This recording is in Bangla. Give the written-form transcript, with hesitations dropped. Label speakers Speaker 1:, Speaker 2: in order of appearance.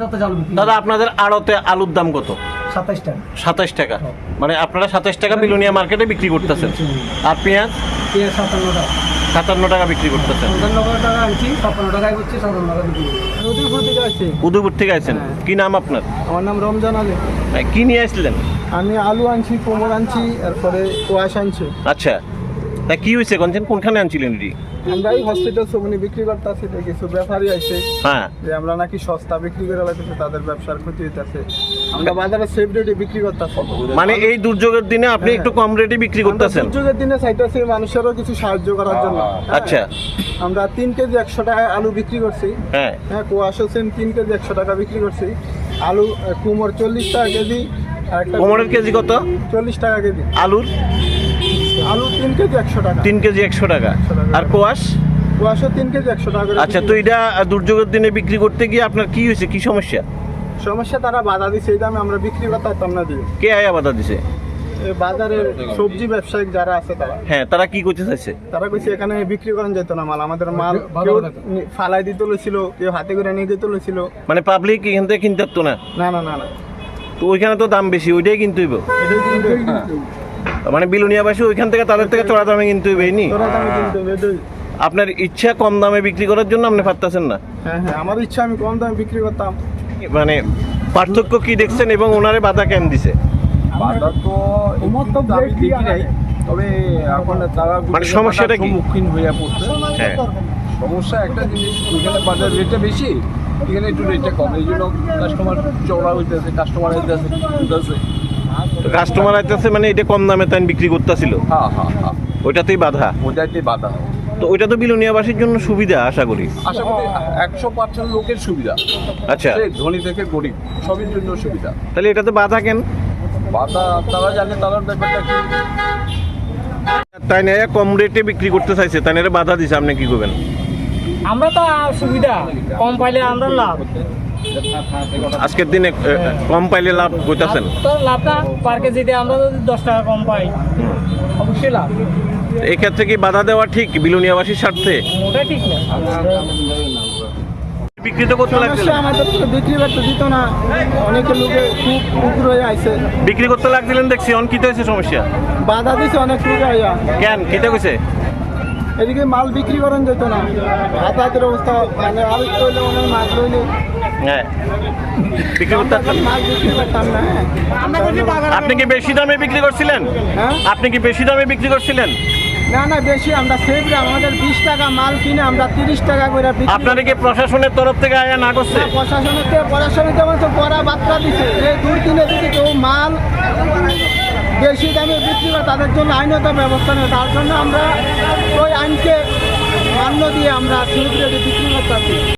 Speaker 1: দাদা আপনাদের আড়তে আলুর দাম কত?
Speaker 2: 27 টাকা।
Speaker 1: 27 টাকা, মানে আপনারা 27 টাকা বিলোনিয়া মার্কেটে বিক্রি করতেছেন। আর পেঁয়াজ?
Speaker 2: পেঁয়াজ 57 টাকা।
Speaker 1: 57 টাকা বিক্রি করতেছেন।
Speaker 2: 55 টাকা আনছি, 56 টাকায় করছি, 57 টাকা বিক্রি করছি। উদয়পুর থেকে আসছি।
Speaker 1: উদয়পুর থেকে আসছেন? কি নাম আপনার?
Speaker 2: আমার নাম রমজান আলী।
Speaker 1: কি নিয়ে আসলেন?
Speaker 2: আমি আলু আনছি, কোমর আনছি, তারপরে কোয়াশ আনছি।
Speaker 1: আচ্ছা, তা কি হয়েছে কোনখানে আনছিলেন এটি?
Speaker 2: আমরা এই হসপিটাল সবনি বিক্রি করতেছি, কিছু ব্যাপারী আছে
Speaker 1: হ্যাঁ,
Speaker 2: যে আমরা নাকি সস্তা বিক্রি করে লাগতেছে, তাদের ব্যবসার ক্ষতি হইতেছে। আমরা বাজারে সেফ রেটে বিক্রি করতেছি।
Speaker 1: মানে এই দুর্যোগের দিনে আপনি একটু কম রেটে বিক্রি করতেছেন?
Speaker 2: দুর্যোগের দিনে চাইতেছি মানুষেরও কিছু সাহায্য করার জন্য।
Speaker 1: আচ্ছা,
Speaker 2: আমরা 3 কেজি 100 টাকায় আলু বিক্রি করছি।
Speaker 1: হ্যাঁ
Speaker 2: হ্যাঁ, কোয়াশও সেম 3 কেজি 100 টাকা বিক্রি করছি। আলু কুমড় 40 টাকা কেজি।
Speaker 1: কোমরের কেজি কত?
Speaker 2: 40 টাকা কেজি।
Speaker 1: আলুর?
Speaker 2: আলু 3 কেজি 100 টাকা।
Speaker 1: 3 কেজি 100 টাকা। আর কোয়াশ?
Speaker 2: কোয়াশও 3 কেজি 100 টাকা করে।
Speaker 1: আচ্ছা, তো এটা দুর্যোগের দিনে বিক্রি করতে গিয়ে আপনার কি হয়েছে, কি সমস্যা?
Speaker 2: সমস্যা তারা বাধা দিছে, এই দামে আমরা বিক্রি করতে পারতাম না দিয়ে।
Speaker 1: কে আয়া বাধা দিছে?
Speaker 2: এই বাজারের সবজি ব্যবসায়িক যারা আছে তারা।
Speaker 1: হ্যাঁ, তারা কি করতে চাইছে?
Speaker 2: তারা কইছে এখানে বিক্রি করেন যেত না মাল, আমাদের মাল কেউ ফালাই দিতে লইছিল, কেউ হাতে করে নিয়ে যেতে লইছিল।
Speaker 1: মানে পাবলিক এখান থেকে কিনতে পারতো না?
Speaker 2: না না না না,
Speaker 1: তো ওইখানে তো দাম বেশি, ওইটাই কিনতে হইব।
Speaker 2: এটাই কিন্তু
Speaker 1: মানে বিলোনিয়াবাসী ওইখান থেকে তাদের থেকে চড়া দামে কিনতে হইবে, এই নি?
Speaker 2: তোরা দামে কিনতে হবে, এটাই।
Speaker 1: আপনার ইচ্ছা কম দামে বিক্রি করার জন্য আপনি পারতেছেন না?
Speaker 2: হ্যাঁ হ্যাঁ, আমার ইচ্ছা আমি কম দামে বিক্রি করতাম।
Speaker 1: মানে পার্থক্য কি দেখছেন এবং ওনারে বাধা কেন দিছে?
Speaker 3: বাধা তো আমি দেখি নাই, তবে এখন তারা
Speaker 1: মানে সমস্যাটা কি?
Speaker 3: সম্মুখীন হয়ে পড়ছে।
Speaker 1: হ্যাঁ,
Speaker 3: সমস্যা একটা জিনিস, ওইখানে বাজার রেটটা বেশি, এখানে একটু রেটটা কম, এই জন্য কাস্টমার চওড়া হইতেছে, কাস্টমার হইতেছে।
Speaker 1: কাস্টমার আইতেছে মানে এটা কম দামে তাই বিক্রি করতেছিল,
Speaker 3: হ্যাঁ হ্যাঁ হ্যাঁ,
Speaker 1: ওইটাতেই বাধা।
Speaker 3: ওইটাই বাধা।
Speaker 1: তো ওইটা তো বিলোনিয়াবাসীর জন্য সুবিধা আশা করি।
Speaker 3: আশা করি 100% লোকের সুবিধা।
Speaker 1: আচ্ছা,
Speaker 3: সে ধনী থেকে গরিব সবের জন্য সুবিধা।
Speaker 1: তাহলে এটাতে বাধা কেন?
Speaker 3: বাধা তারা জানে, তারা ব্যাপারটা কি।
Speaker 1: তাই না কম রেটে বিক্রি করতে চাইছে, তাই না বাধা দিছে, আপনি কি করবেন?
Speaker 4: আমরা তো সুবিধা কম পাইলে আমরা লাভ।
Speaker 1: আজকের দিনে কম পাইলে লাভ করতেছেন?
Speaker 4: তো লাভটা পার কেজিতে আমরা যদি 10 টাকা কম পাই অবশ্যই লাভ।
Speaker 1: এই ক্ষেত্রে কি বাধা দেওয়া ঠিক বিলোনিয়াবাসীর স্বার্থে?
Speaker 4: ওটাই ঠিক না।
Speaker 1: বিক্রি তো করতে
Speaker 2: সমস্যা
Speaker 1: লাগছিলেন?
Speaker 2: আমাদের তো বিক্রি করতে দিত না, অনেকে লোকে খুব পুকুর হয়ে আইছে,
Speaker 1: বিক্রি করতে লাগছিলেন দেখছি, অন কিতে হয়েছে সমস্যা?
Speaker 2: বাধা দিছে অনেক লোক আইয়া।
Speaker 1: কেন কিতে কইছে?
Speaker 2: এদিকে মাল বিক্রি করেন যেত না, হাতের অবস্থা, মানে আলু লইলে অনেক মাছ লইলে
Speaker 1: হ্যাঁ, বিক্রি করতে পারতেন না।
Speaker 2: মাছ বিক্রি করতাম না।
Speaker 1: আপনি কি বেশি দামে বিক্রি করছিলেন?
Speaker 2: হ্যাঁ,
Speaker 1: আপনি কি বেশি দামে বিক্রি করছিলেন?
Speaker 2: না না, বেশি আমরা সেভ রে, আমাদের 20 টাকা মাল কিনে আমরা 30 টাকা করে বিক্রি।
Speaker 1: আপনারা কি প্রশাসনের তরফ থেকে আয়া না করছে?
Speaker 2: প্রশাসনের যেমন তো বড় বার্তা দিছে যে 2 দিনে যদি কেউ মাল বেশি দামে বিক্রি করে তাদের জন্য আইনত ব্যবস্থা নেই। তার জন্য আমরা ওই আইনকে মান্য দিয়ে আমরা সেভ রেটে বিক্রি করতে